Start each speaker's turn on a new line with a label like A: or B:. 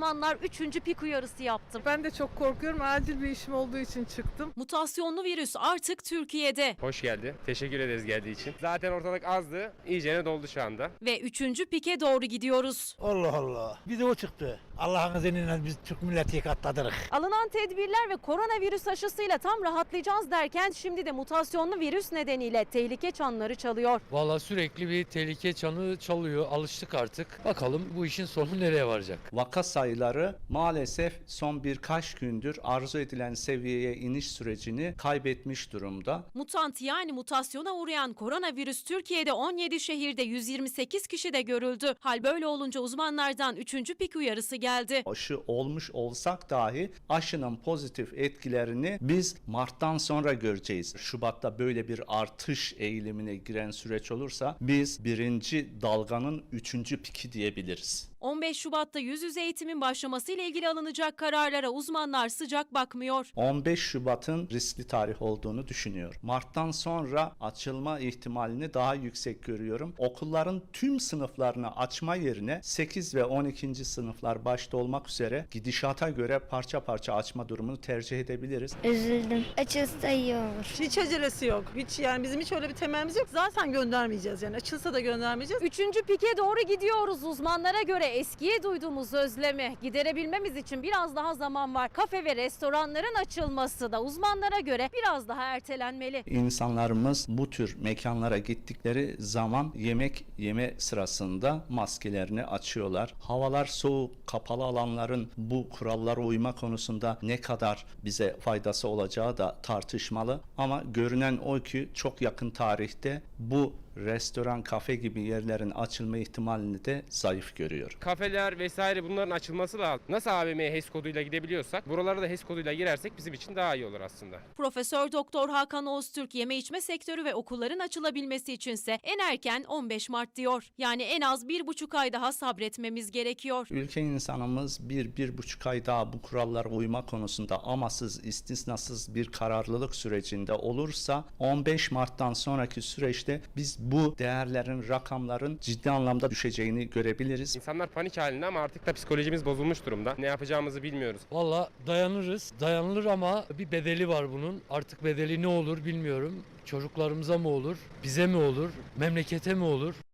A: uzmanlar 3. pik uyarısı yaptı.
B: Ben de çok korkuyorum. Acil bir işim olduğu için çıktım.
A: Mutasyonlu virüs artık Türkiye'de
C: Hoş geldi. Teşekkür ederiz geldiği için. Zaten ortalık azdı. İyicene doldu şu anda.
A: ve 3. pike doğru gidiyoruz.
D: Allah Allah. Bir de o çıktı. Allah'ın izniyle biz Türk milleti katladık.
A: Alınan tedbirler ve koronavirüs aşısıyla tam rahatlayacağız derken şimdi de mutasyonlu virüs nedeniyle tehlike çanları çalıyor.
E: Valla sürekli bir tehlike çanı çalıyor. Alıştık artık. Bakalım bu işin sonu nereye varacak?
F: Vaka sayıları maalesef son birkaç gündür arzu edilen seviyeye iniş sürecini kaybetmiş durumda.
A: Mutant yani mutasyona uğrayan koronavirüs Türkiye'de 17 şehirde 128 kişide görüldü. Hal böyle olunca uzmanlardan 3. pik uyarısı geldi.
F: Aşı olmuş olsak dahi aşının pozitif etkilerini biz Mart'tan sonra göreceğiz. Şubat'ta böyle bir artış eğilimine giren süreç olursa biz birinci dalganın 3. piki diyebiliriz.
A: 15 Şubat'ta yüz yüze eğitimin başlamasıyla ilgili alınacak kararlara uzmanlar sıcak bakmıyor.
F: 15 Şubat'ın riskli tarih olduğunu düşünüyorum. Mart'tan sonra açılma ihtimalini daha yüksek görüyorum. Okulların tüm sınıflarını açma yerine 8 ve 12. sınıflar başta olmak üzere gidişata göre parça parça açma durumunu tercih edebiliriz.
G: Üzüldüm. Açılsa iyi olur.
B: Hiç acelesi yok. Hiç yani bizim hiç öyle bir temelimiz yok. Zaten göndermeyeceğiz yani. Açılsa da göndermeyeceğiz.
A: 3. pike doğru gidiyoruz. Uzmanlara göre eskiye duyduğumuz özlemi giderebilmemiz için biraz daha zaman var. Kafe ve restoranların açılması da uzmanlara göre biraz daha ertelenmeli.
F: İnsanlarımız bu tür mekanlara gittikleri zaman yemek yeme sırasında maskelerini açıyorlar. Havalar soğuk, kapalı alanların bu kurallara uyma konusunda ne kadar bize faydası olacağı da tartışmalı. Ama görünen o ki çok yakın tarihte bu restoran, kafe gibi yerlerin açılma ihtimalini de zayıf görüyor.
C: Kafeler vesaire bunların açılması lazım. Nasıl AVM'ye HES koduyla gidebiliyorsak buralara da HES koduyla girersek bizim için daha iyi olur aslında.
A: Profesör Doktor Hakan Öztürk yeme içme sektörü ve okulların açılabilmesi içinse en erken 15 Mart diyor. Yani en az 1,5 ay daha sabretmemiz gerekiyor.
F: Ülke insanımız 1-1,5 ay daha bu kurallara uyma konusunda amasız, istisnasız bir kararlılık sürecinde olursa 15 Mart'tan sonraki süreçte biz bu değerlerin, rakamların ciddi anlamda düşeceğini görebiliriz.
C: İnsanlar panik halinde ama artık da psikolojimiz bozulmuş durumda. Ne yapacağımızı bilmiyoruz.
E: Valla dayanırız. Dayanılır ama bir bedeli var bunun. Artık bedeli ne olur bilmiyorum. Çocuklarımıza mı olur? Bize mi olur? Memlekete mi olur?